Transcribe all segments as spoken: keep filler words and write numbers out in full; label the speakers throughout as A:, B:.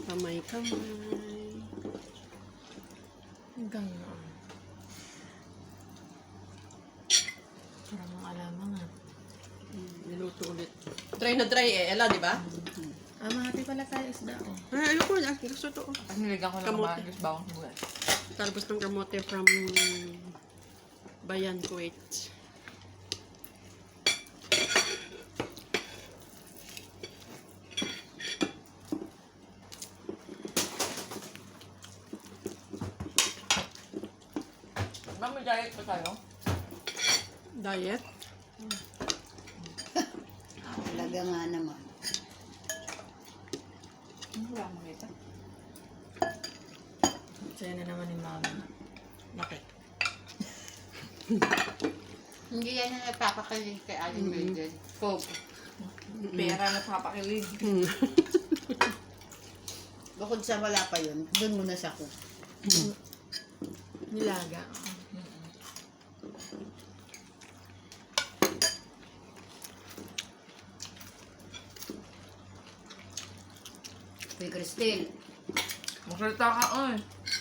A: Kamay-kamay.
B: Ganon. Parang mga alamang ah.
A: Mm, niluto ulit. Dry na dry eh, Ella, di ba?
B: Ah, mahati pala tayo isda oh.
A: Ay, ayoko na. Gusto to.
B: Ang niligang ko lang
A: Kamote.
B: mga bawang buwan.
A: Talbos ng kamote from Bayan, Kuwait.
B: Ma'am, may diet pa tayo?
A: Diet?
C: Talaga nga naman.
B: Wala makita. Sa'yo na naman ni mama.
A: Bakit?
C: Hindi yan ang napapakilig kay Aling Mildred. Coke.
B: Pera na papakilig.
A: Mm.
C: Bukod sa wala pa yun, doon muna sa coke.
B: Nilaga.
C: Kay Cristel.
B: Magsalita ka oy.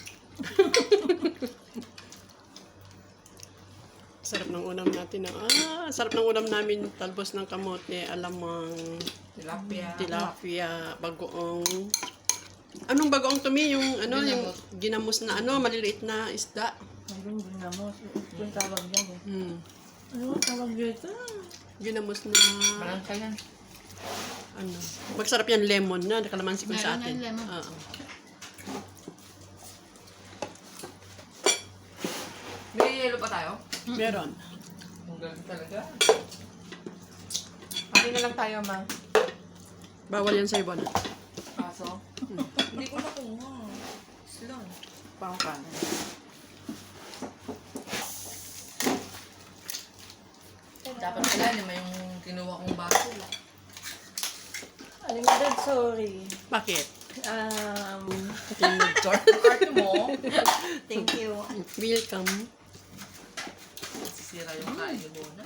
A: Sarap ng ulam natin. Ah, sarap ng ulam namin. Talbos ng kamote, alamang,
B: Tilapia.
A: tilapia, bagoong. Anong bagoong tumi? Yung ano, yung ginamos na ano, maliliit na isda.
B: Mayroon ginamos. Ito yung tawag dyan eh.
A: Hmm.
B: Ano ang tawag dito?
A: Ginamos na
B: Malangka yan.
A: ano. Magsarap yan lemon na, nakalamansi ko sa
C: Meron
A: atin.
C: yan, lemon.
A: Oo.
B: May yelo pa tayo?
A: Meron.
B: Ang galing talaga. Pati na lang tayo, ma.
A: Bawal yan sa iba na.
B: Kaso? Hindi ko na kuha. Slow. Pangkan. Dapat pala naman yung kinuha kong baso.
D: Aling Dad, sorry.
A: Bakit?
D: Um,
A: Yung
B: Short ng art mo.
D: thank you.
A: welcome.
B: Sisira yung kain ni Bona.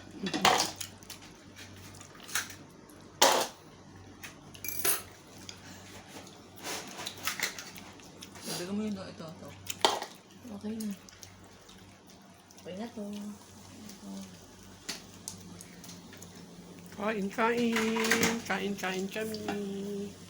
B: Sabi ko mo yun, ito, ito. Okay na. Okay na to.
A: Kain, kain. Kain, kain kami.